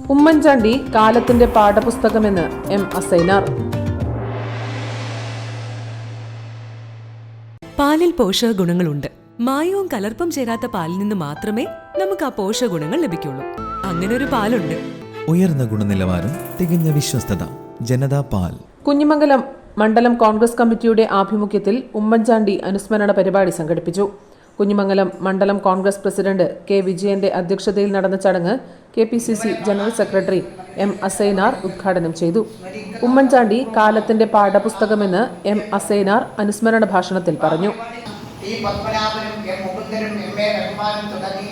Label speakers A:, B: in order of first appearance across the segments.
A: ഉമ്മൻചാണ്ടി കാലത്തിന്റെ പാഠപുസ്തകമെന്ന് എം അസൈനാർ.
B: പാലിൽ പോഷകഗുണങ്ങളുണ്ട്. മായവും കലർപ്പും ചേരാത്ത പാലിൽ നിന്ന് മാത്രമേ നമുക്ക് ആ പോഷകഗുണങ്ങൾ ലഭിക്കുള്ളൂ. അങ്ങനെ ഒരു പാലുണ്ട്.
C: ഉയർന്ന ഗുണനിലവാരം, തികഞ്ഞ വിശ്വസ്തത. ജനതാ പാൽ.
A: കുഞ്ഞിമംഗലം മണ്ഡലം കോൺഗ്രസ് കമ്മിറ്റിയുടെ ആഭിമുഖ്യത്തിൽ ഉമ്മൻചാണ്ടി അനുസ്മരണ പരിപാടി സംഘടിപ്പിച്ചു. കുഞ്ഞിമംഗലം മണ്ഡലം കോൺഗ്രസ് പ്രസിഡന്റ് കെ വിജയന്റെ അധ്യക്ഷതയിൽ നടന്ന ചടങ്ങ് KPCC general secretary M Asainar ഉദ്ഘാടനം ചെയ്തു. ഉമ്മൻചാണ്ടി കാലത്തിന്റെ പാഠപുസ്തകമെന്ന് എം അസൈനാർ അനുസ്മരണ ഭാഷണത്തിൽ പറഞ്ഞു.
D: ഈ പത്മനാഭനും എം മുകുന്ദനും എം.എ. റഹ്മാനും തുടങ്ങി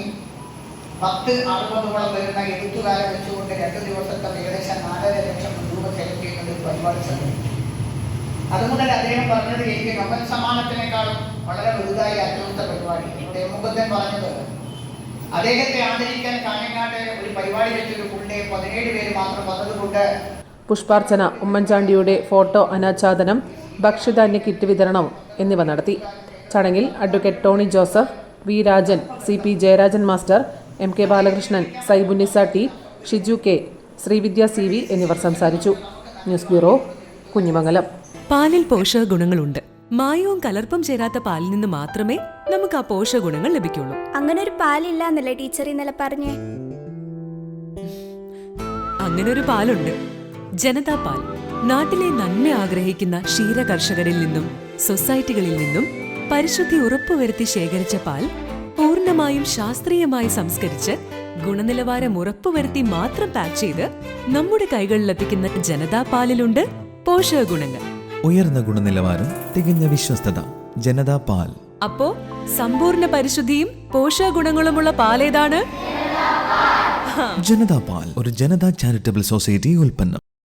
D: 10-60 വരുന്ന എഴുത്തുകാരെ വെച്ചുകൊണ്ട് 2 ദിവസത്തെ ഏകദേശം 4.5 ലക്ഷം രൂപ ചെലവ് ചെയ്യുന്ന ഒരു പരിപാടി സംഘടിപ്പിച്ചു. അതുമുതൽ അദ്ദേഹം പറഞ്ഞത് എനിക്ക് നോബൽ സമ്മാനത്തിനേക്കാളും വളരെ വലുതായി അറ്റകുറ്റ പരിപാടി. ഇവിടെ എം മുകുന്ദൻ പറഞ്ഞത് അദ്ദേഹത്തെ ആദരിക്കാൻ കാഞ്ഞങ്ങാട്ട് ഒരു പരിപാടി വെച്ചൊരു പുള്ളിയെ 17 പേര് മാത്രം വന്നതുകൊണ്ട്
A: പുഷ്പാർച്ചന, ഉമ്മൻചാണ്ടിയുടെ ഫോട്ടോ അനാച്ഛാദനം, ഭക്ഷ്യധാന്യ കിറ്റ് വിതരണം എന്നിവ നടത്തി. ചടങ്ങിൽ advocate Tony Joseph, V Rajan, CP Jayarajan master, MK Balakrishnan, Saibunnisa T, Shiju K, Sreevidya CV എന്നിവർ സംസാരിച്ചു. News bureau, Kunhimangalam.
B: പാലിൽ പോഷകഗുണങ്ങളുണ്ട്. മായവും കലർപ്പും ചേരാത്ത പാലിൽ നിന്ന് മാത്രമേ നമുക്ക് ആ പോഷകഗുണങ്ങൾ ലഭിക്കുള്ളൂ.
E: അങ്ങനെ ഒരു പാലില്ല എന്നല്ലേ ടീച്ചർ ഇന്നലെ പറഞ്ഞേ?
B: അങ്ങനെ ഒരു പാലുണ്ട്. ജനതാ പാൽ. നാട്ടിലെ നന്മ ആഗ്രഹിക്കുന്ന ക്ഷീര കർഷകരിൽ നിന്നും സൊസൈറ്റികളിൽ നിന്നും പരിശുദ്ധി ഉറപ്പുവരുത്തി ശേഖരിച്ച പാൽ പൂർണ്ണമായും ശാസ്ത്രീയമായി സംസ്കരിച്ച് ഗുണനിലവാരം ഉറപ്പുവരുത്തി മാത്രം പാക്ക് ചെയ്ത് നമ്മുടെ കൈകളിലെത്തിക്കുന്ന ജനതാ പാലിലുണ്ട് പോഷകഗുണങ്ങൾ.
C: ഉയർന്ന ഗുണനിലവാരം, തികഞ്ഞ വിശ്വസ്തത. ജനതാ പാൽ.
B: അപ്പോ സമ്പൂർണ്ണ പരിശുദ്ധിയും പോഷകഗുണങ്ങളുമുള്ള പാലേതാണ്?
C: ജനതാ പാൽ ഒരു ജനതാ ചാരിറ്റബിൾ സൊസൈറ്റി ഉൽപ്പന്നം.